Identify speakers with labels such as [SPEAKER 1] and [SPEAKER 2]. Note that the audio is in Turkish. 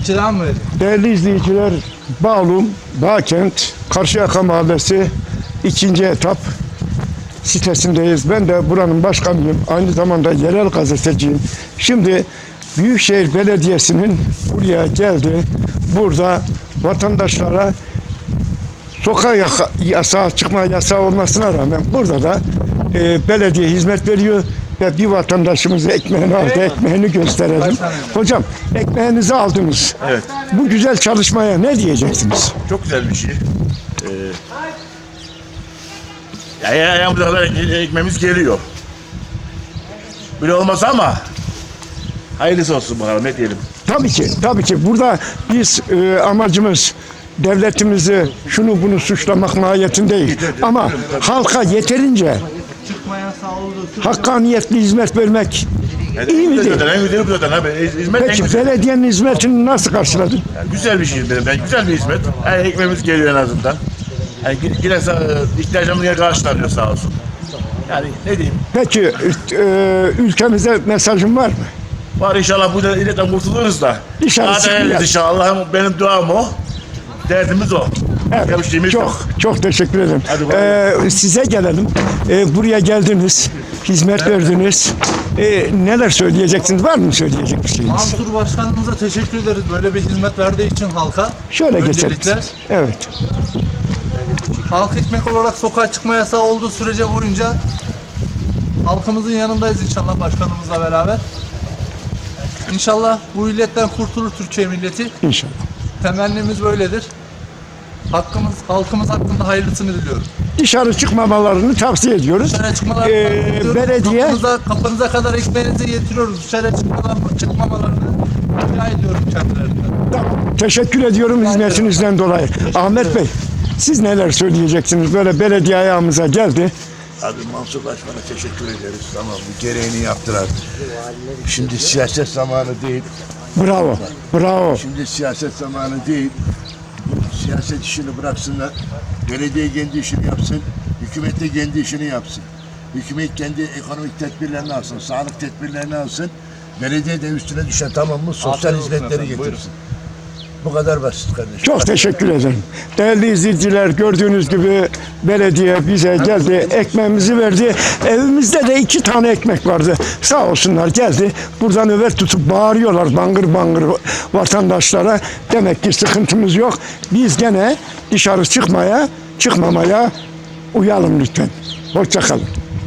[SPEAKER 1] kira mı veriyor?
[SPEAKER 2] Değerli izleyiciler, Bağlum, Bağkent, Karşıyaka Mahallesi 2. etap sitesindeyiz. Ben de buranın başkanıyım. Aynı zamanda yerel gazeteciyim. Şimdi Büyükşehir Belediyesi'nin buraya geldi. Burada vatandaşlara sokağa yasağı, çıkma yasağı olmasına rağmen burada da belediye hizmet veriyor ve bir vatandaşımıza ekmeğini aldı, ekmeğini gösterelim. Hocam, ekmeğinizi aldınız.
[SPEAKER 3] Evet.
[SPEAKER 2] Bu güzel çalışmaya ne diyeceksiniz?
[SPEAKER 3] Çok güzel bir şey. Ayağımıza kadar ekmeğimiz geliyor. Böyle olmaz ama hayırlısı olsun bakalım, ne diyelim.
[SPEAKER 2] Tabii ki, tabii ki. Burada biz amacımız devletimizi şunu bunu suçlamak mahiyetinde değil. Ama halka yeterince
[SPEAKER 1] Çıkma yasağı olduğu
[SPEAKER 2] hakkaniyetli hizmet vermek iyi mi değil?
[SPEAKER 3] En güzeli bu zaten abi. Hizmet en
[SPEAKER 2] Peki
[SPEAKER 3] güzel.
[SPEAKER 2] belediyenin hizmetini nasıl karşıladın?
[SPEAKER 3] Yani güzel bir şey benim. Yani güzel bir hizmet. Yani ekmeğimiz geliyor en azından. Yani yine ihtiyacımız karşılanıyor sağ olsun. Yani ne diyeyim?
[SPEAKER 2] Peki ülkemize mesajın var mı?
[SPEAKER 3] Var inşallah bu illetten kurtuluruz da.
[SPEAKER 2] İnşallah
[SPEAKER 3] Daha
[SPEAKER 2] çıkmayalım.
[SPEAKER 3] değerliyiz inşallah. Benim duam o. Derdimiz o.
[SPEAKER 2] Evet,
[SPEAKER 3] Bir şeyimiz yok.
[SPEAKER 2] çok teşekkür ederim.
[SPEAKER 3] Hadi
[SPEAKER 2] Size gelelim. Buraya geldiniz, hizmet verdiniz. Neler söyleyeceksiniz? Var mı söyleyecek bir şeyiniz?
[SPEAKER 1] Mansur Başkanımıza teşekkür ederiz. Böyle bir hizmet verdiği için halka.
[SPEAKER 2] Şöyle geçelim.
[SPEAKER 1] Öncelikle
[SPEAKER 2] Evet.
[SPEAKER 1] halk ekmek olarak sokağa çıkma yasağı olduğu sürece boyunca halkımızın yanındayız inşallah başkanımızla beraber. İnşallah bu illetten kurtulur Türkiye milleti.
[SPEAKER 2] İnşallah.
[SPEAKER 1] Temennimiz böyledir. Halkımız hakkında hayırlısını diliyorum.
[SPEAKER 2] Dışarı çıkmamalarını tavsiye ediyoruz.
[SPEAKER 1] Dışarı çıkmalarını
[SPEAKER 2] belediye
[SPEAKER 1] kapınıza kadar ekmeğinizi getiriyoruz. Dışarı çıkmamalarını rica ediyorum kendilerinden.
[SPEAKER 2] teşekkür ediyorum hizmetinizden dolayı. Ahmet Bey, siz neler söyleyeceksiniz? Böyle belediye ayağımıza geldi.
[SPEAKER 4] Abi Mansur Başkan'a teşekkür ederiz. Tamam, bu gereğini yaptılar. Şimdi siyaset zamanı değil.
[SPEAKER 2] Bravo, bravo.
[SPEAKER 4] Şimdi siyaset zamanı değil. Siyaset işini bıraksınlar. Belediye kendi işini yapsın. Hükümet de kendi işini yapsın. Hükümet kendi ekonomik tedbirlerini alsın. Sağlık tedbirlerini alsın. Belediye de üstüne düşen, tamam mı? Sosyal hizmetleri getirsin. Bu kadar basit kardeşim.
[SPEAKER 2] Çok teşekkür ederim. Değerli izleyiciler, gördüğünüz gibi belediye bize geldi, ekmeğimizi verdi. Evimizde de 2 tane ekmek vardı. Sağ olsunlar geldi. Buradan nöbet tutup bağırıyorlar bangır bangır vatandaşlara. Demek ki sıkıntımız yok. Biz gene dışarı çıkmamaya uyalım lütfen. Hoşça kalın.